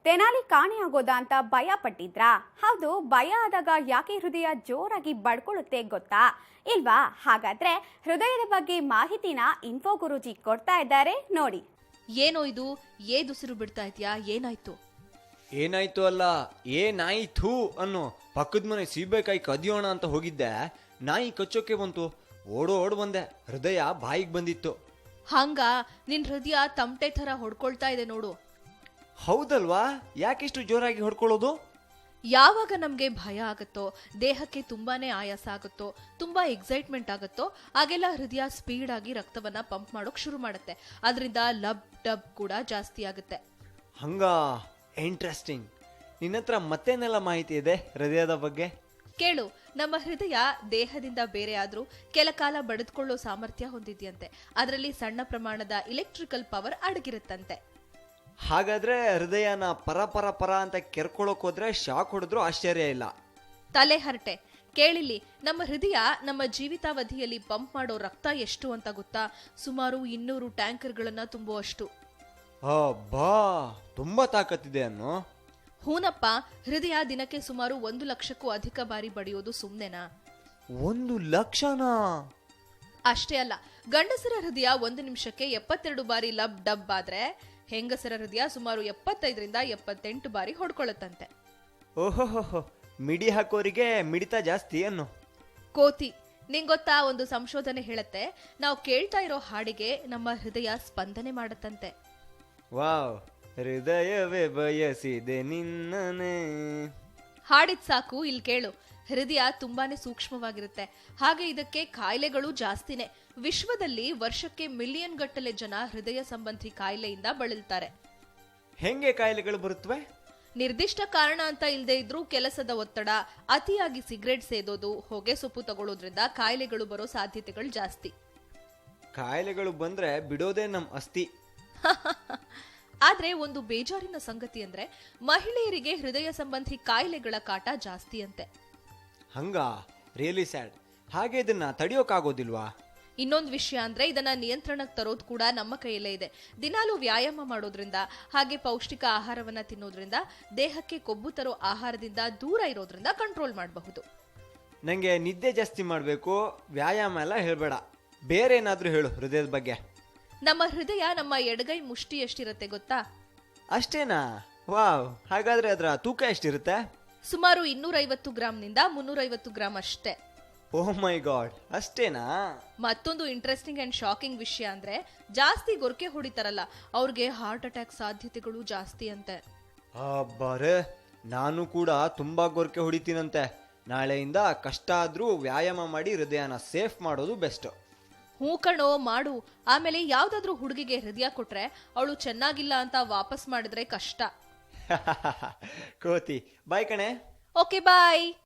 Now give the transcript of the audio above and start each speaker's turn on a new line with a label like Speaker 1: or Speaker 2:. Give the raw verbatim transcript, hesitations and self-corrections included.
Speaker 1: ತೆನಾಲಿ ಕಾಣೆಯಾಗೋದಾ ಅಂತ ಭಯ ಪಟ್ಟಿದ್ರಾ? ಹೌದು, ಭಯ ಆದಾಗ ಯಾಕೆ ಹೃದಯ ಜೋರಾಗಿ ಬಡ್ಕೊಳ್ಳುತ್ತೆ ಗೊತ್ತಾ? ಇಲ್ವಾ? ಹಾಗಾದ್ರೆ ಹೃದಯದ ಬಗ್ಗೆ ಮಾಹಿತಿನ ಇನ್ಫೋ ಗುರೂಜಿ ಕೊಡ್ತಾ ಇದ್ದಾರೆ ನೋಡಿ.
Speaker 2: ಏನೋ ಇದು ಏದುಸಿರು ಬಿಡ್ತಾ ಇದ್ಯಾ? ಏನಾಯ್ತು?
Speaker 3: ಏನಾಯ್ತು ಅಲ್ಲ, ಏನಾಯ್ತು ಅನ್ನೋ. ಪಕ್ಕದ ಮನೆ ಸೀಬೆಕಾಯಿ ಕದಿಯೋಣ ಅಂತ ಹೋಗಿದ್ದೆ, ನಾಯಿ ಕಚ್ಚೋಕೆ ಬಂತು. ಓಡೋ ಓಡ್ ಬಂದೆ, ಹೃದಯ ಬಾಯಿಗೆ ಬಂದಿತ್ತು.
Speaker 2: ಹಂಗ ನಿನ್ ಹೃದಯ ತಮಟೆ ತರ ಹೊಡ್ಕೊಳ್ತಾ ಇದೆ ನೋಡು.
Speaker 3: ಹೌದಲ್ವಾ? ಯಾಕಿಷ್ಟು ಜೋರಾಗಿ ಹೊಡ್ಕೊಳ್ಳೋದು?
Speaker 2: ಯಾವಾಗ ನಮ್ಗೆ ಭಯ ಆಗತ್ತೋ, ದೇಹಕ್ಕೆ ತುಂಬಾನೇ ಆಯಾಸ ಆಗುತ್ತೋ, ತುಂಬಾ ಎಕ್ಸೈಟ್ಮೆಂಟ್ ಆಗುತ್ತೋ, ಆಗೆಲ್ಲ ಹೃದಯ ಸ್ಪೀಡ್ ಆಗಿ ರಕ್ತವನ್ನ ಪಂಪ್ ಮಾಡೋಕ್ ಶುರು ಮಾಡುತ್ತೆ. ಅದರಿಂದ ಲಬ್ ಡಬ್ ಕೂಡ ಜಾಸ್ತಿ ಆಗುತ್ತೆ.
Speaker 3: ಹಂಗ ಇಂಟ್ರೆಸ್ಟಿಂಗ್. ನಿನ್ನತ್ರ ಮತ್ತೇನೆಲ್ಲ ಮಾಹಿತಿ ಇದೆ ಹೃದಯದ ಬಗ್ಗೆ?
Speaker 2: ಕೇಳು, ನಮ್ಮ ಹೃದಯ ದೇಹದಿಂದ ಬೇರೆ ಆದ್ರೂ ಕೆಲ ಕಾಲ ಬಡಿದುಕೊಳ್ಳೋ ಸಾಮರ್ಥ್ಯ ಹೊಂದಿದ್ಯಂತೆ. ಅದರಲ್ಲಿ ಸಣ್ಣ ಪ್ರಮಾಣದ ಇಲೆಕ್ಟ್ರಿಕಲ್ ಪವರ್ ಅಡಗಿರುತ್ತಂತೆ.
Speaker 3: ಹಾಗಾದ್ರೆ ಹೃದಯನ ಪರ ಪರ ಪರ ಅಂತ ಕೆರ್ಕೊಳ್ಳೋಕ್ ಹೋದ್ರೆ ಶಾಕ್ ಹೊಡೆದ್ರು ಆಶ್ಚರ್ಯ ಇಲ್ಲ.
Speaker 2: ತಲೆ ಹರಟೆ. ಕೇಳಿಲ್ಲಿ, ನಮ್ಮ ಹೃದಯ ನಮ್ಮ ಜೀವಿತಾವಧಿಯಲ್ಲಿ ಪಂಪ್ ಮಾಡೋ ರಕ್ತ ಎಷ್ಟು ಅಂತ ಗೊತ್ತಾ? ಸುಮಾರು ಇನ್ನೂರು ಟ್ಯಾಂಕರ್ಗಳನ್ನ ತುಂಬುವಷ್ಟು.
Speaker 3: ಬಾ, ತುಂಬಾ ತಾಕತ್ತಿದೆ ಅನ್ನೋ.
Speaker 2: ಹೂನಪ್ಪ, ಹೃದಯ ದಿನಕ್ಕೆ ಸುಮಾರು ಒಂದು ಲಕ್ಷಕ್ಕೂ ಅಧಿಕ ಬಾರಿ ಬಡಿಯೋದು ಸುಮ್ನೆನಾ?
Speaker 3: ಒಂದು ಲಕ್ಷನಾ?
Speaker 2: ಅಷ್ಟೇ ಅಲ್ಲ, ಗಂಡಸರ ಹೃದಯ ಒಂದು ನಿಮಿಷಕ್ಕೆ ಎಪ್ಪತ್ತೆರಡು ಬಾರಿ ಲಬ್ ಡಬ್ ಆದ್ರೆ ಹೆಂಗಸರ ಹೃದಯ ಸುಮಾರು ಎಪ್ಪತ್ತೈದರಿಂದ ಎಪ್ಪತ್ತೆಂಟು ಬಾರಿ ಹೊಡ್ಕೊಳ್ಳುತ್ತಂತೆ.
Speaker 3: ಓಹೋಹೋ, ಮಿಡಿ ಹಾಕೋರಿಗೆ ಮಿಡಿತ ಜಾಸ್ತಿ ಅನ್ನು.
Speaker 2: ಕೋತಿ, ನಿಂಗೊತ್ತಾ, ಒಂದು ಸಂಶೋಧನೆ ಹೇಳತ್ತೆ, ನಾವು ಕೇಳ್ತಾ ಇರೋ ಹಾಡಿಗೆ ನಮ್ಮ ಹೃದಯ ಸ್ಪಂದನೆ ಮಾಡತ್ತಂತೆ.
Speaker 3: ವಾವ್, ಹೃದಯವೇ ಬಯಸಿದೆ ನಿನ್ನನೆ.
Speaker 2: ಹಾಡಿದ್ ಸಾಕು, ಇಲ್ಲಿ ಕೇಳು. ಹೃದಯ ತುಂಬಾನೇ ಸೂಕ್ಷ್ಮವಾಗಿರುತ್ತೆ, ಹಾಗೆ ಇದಕ್ಕೆ ಕಾಯಿಲೆಗಳು ಜಾಸ್ತಿನೇ. ವಿಶ್ವದಲ್ಲಿ ವರ್ಷಕ್ಕೆ ಮಿಲಿಯನ್ ಗಟ್ಟಲೆ ಜನ ಹೃದಯ ಸಂಬಂಧಿ ಕಾಯಿಲೆಯಿಂದ ಬಳಲ್ತಾರೆ.
Speaker 3: ಹೆಂಗೆ ಕಾಯಿಲೆಗಳು ಬರುತ್ತವೆ?
Speaker 2: ನಿರ್ದಿಷ್ಟ ಕಾರಣ ಅಂತ ಇಲ್ಲದೆ ಇದ್ರೂ ಕೆಲಸದ ಒತ್ತಡ, ಅತಿಯಾಗಿ ಸಿಗರೇಟ್ ಸೇದೋದು, ಹೊಗೆ ಸೊಪ್ಪು ತಗೊಳ್ಳೋದ್ರಿಂದ ಕಾಯಿಲೆಗಳು ಬರೋ ಸಾಧ್ಯತೆಗಳು ಜಾಸ್ತಿ.
Speaker 3: ಕಾಯಿಲೆಗಳು ಬಂದ್ರೆ ಬಿಡೋದೇ ನಮ್ ಅಸ್ತಿ.
Speaker 2: ಆದ್ರೆ ಒಂದು ಬೇಜಾರಿನ ಸಂಗತಿ ಅಂದ್ರೆ ಮಹಿಳೆಯರಿಗೆ ಹೃದಯ ಸಂಬಂಧಿ ಕಾಯಿಲೆಗಳ ಕಾಟ ಜಾಸ್ತಿ ಅಂತೆ.
Speaker 3: ಹಂಗ? Really sad. ಹಾಗೆ ಇದನ್ನ ತಡೆಯೋಕಾಗೋದಿಲ್ವಾ?
Speaker 2: ಇನ್ನೊಂದು ವಿಷಯ ಅಂದ್ರೆ ಇದನ್ನ ನಿಯಂತ್ರಣಕ್ಕೆ ತರೋದು ಕೂಡ ನಮ್ಮ ಕೈಯಲ್ಲೇ ಇದೆ. ದಿನಾಲೂ ವ್ಯಾಯಾಮ ಮಾಡೋದ್ರಿಂದ, ಹಾಗೆ ಪೌಷ್ಟಿಕ ಆಹಾರವನ್ನ ತಿನ್ನೋದ್ರಿಂದ, ದೇಹಕ್ಕೆ ಕೊಬ್ಬು ತರೋ ಆಹಾರದಿಂದ ದೂರ ಇರೋದ್ರಿಂದ ಕಂಟ್ರೋಲ್ ಮಾಡಬಹುದು.
Speaker 3: ನಂಗೆ ನಿದ್ದೆ ಜಾಸ್ತಿ ಮಾಡ್ಬೇಕು, ವ್ಯಾಯಾಮ ಎಲ್ಲ ಹೇಳ್ಬೇಡ, ಬೇರೆ ಏನಾದ್ರೂ ಹೇಳು ಹೃದಯದ ಬಗ್ಗೆ.
Speaker 2: ನಮ್ಮ ಹೃದಯ ನಮ್ಮ ಎಡಗೈ ಮುಷ್ಟಿ ಎಷ್ಟಿರುತ್ತೆ ಗೊತ್ತಾ?
Speaker 3: ಅಷ್ಟೇನಾ? ವಾವ್, ಹಾಗಾದ್ರೆ ಅದರ ತೂಕ ಎಷ್ಟಿರುತ್ತೆ?
Speaker 2: ಸುಮಾರು ಇನ್ನೂರೈವತ್ತು ಗ್ರಾಮ್ನಿಂದ ಮುನ್ನೂರೈವತ್ತು ಗ್ರಾಮ್ ಅಷ್ಟೇ.
Speaker 3: ಓಹ್ ಮೈ ಗಾಡ್, ಅಷ್ಟೇನಾ?
Speaker 2: ಮತ್ತೊಂದು ಇಂಟ್ರೆಸ್ಟಿಂಗ್ ಅಂಡ್ ಶಾಕಿಂಗ್ ವಿಷಯ ಅಂದ್ರೆ, ಜಾಸ್ತಿ ಗೊರಕೆ ಹೊಡಿತಾರಲ್ಲ, ಅವ್ರಿಗೆ ಹಾರ್ಟ್ ಅಟ್ಯಾಕ್ ಸಾಧ್ಯತೆಗಳು ಜಾಸ್ತಿ ಅಂತೆ.
Speaker 3: ಬಾರೆ, ನಾನು ಕೂಡ ತುಂಬಾ ಗೊರಕೆ ಹೊಡಿತೀನಂತೆ. ನಾಳೆಯಿಂದ ಕಷ್ಟ ಆದ್ರೂ ವ್ಯಾಯಾಮ ಮಾಡಿ ಹೃದಯನ ಸೇಫ್ ಮಾಡೋದು ಬೆಸ್ಟ್.
Speaker 2: ಹೂ ಕಣೋ, ಮಾಡು. ಆಮೇಲೆ ಯಾವ್ದಾದ್ರೂ ಹುಡುಗಿಗೆ ಹೃದಯ ಕೊಟ್ರೆ ಅವಳು ಚೆನ್ನಾಗಿಲ್ಲ ಅಂತ ವಾಪಸ್ ಮಾಡಿದ್ರೆ ಕಷ್ಟ.
Speaker 3: ಕೋತಿ, ಬಾಯ್ ಕಣೆ.
Speaker 2: ಓಕೆ, ಬಾಯ್.